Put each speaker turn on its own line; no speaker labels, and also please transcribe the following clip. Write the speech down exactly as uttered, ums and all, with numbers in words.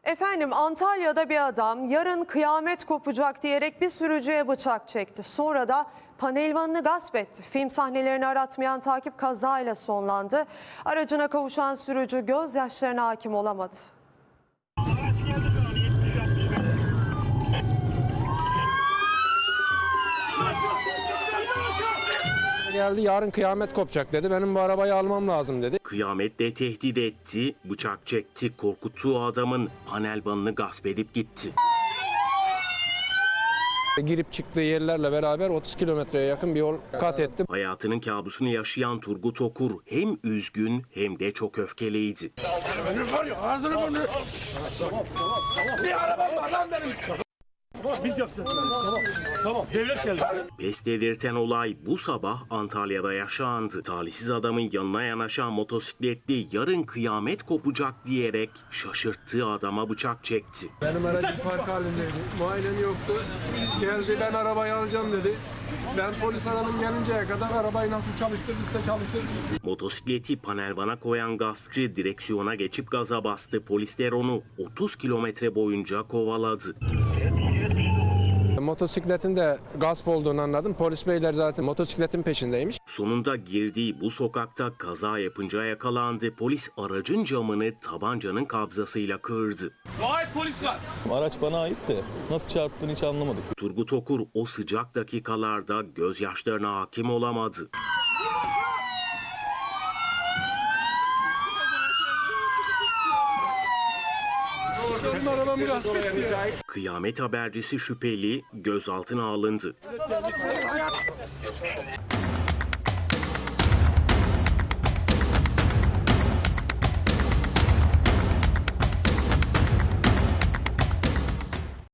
Efendim Antalya'da bir adam yarın kıyamet kopacak diyerek bir sürücüye bıçak çekti. Sonra da panelvanını gasp etti. Film sahnelerini aratmayan takip kazayla sonlandı. Aracına kavuşan sürücü gözyaşlarına hakim olamadı.
Geldi, yarın kıyamet kopacak dedi. Benim bu arabayı almam lazım dedi.
Kıyametle tehdit etti, bıçak çekti, korkuttuğu adamın panelvanını gasp edip gitti.
Girip çıktığı yerlerle beraber otuz kilometreye yakın bir yol kat etti.
Hayatının kabusunu yaşayan Turgut Okur hem üzgün hem de çok öfkeliydi.
Benim var ya ağzını bunu. Bir arabam var lan benim. Tamam biz yapacağız. Tamam. Tamam. Devlet geldi.
Pes dedirten olay bu sabah Antalya'da yaşandı. Talihsiz adamın yanına yanaşan motosikletli yarın kıyamet kopacak diyerek şaşırttığı adama bıçak çekti.
Benim aracım park halindeydi. Muayenen yoktu. Geldi, ben arabayı alacağım dedi. Ben polis aradım, gelinceye kadar arabayı nasıl çalıştırdıysa çalıştırdı.
Motosikleti panelvana koyan gaspçı direksiyona geçip gaza bastı. Polisler onu otuz kilometre boyunca kovaladı.
Motosikletin de gasp olduğunu anladım. Polis beyler zaten motosikletin peşindeymiş.
Sonunda girdiği bu sokakta kaza yapınca yakalandı. Polis aracın camını tabancanın kabzasıyla kırdı.
Gayet polis var.
Araç bana ait de nasıl çarptığını hiç anlamadık.
Turgut Okur o sıcak dakikalarda gözyaşlarına hakim olamadı. Kıyamet habercisi şüpheli gözaltına alındı.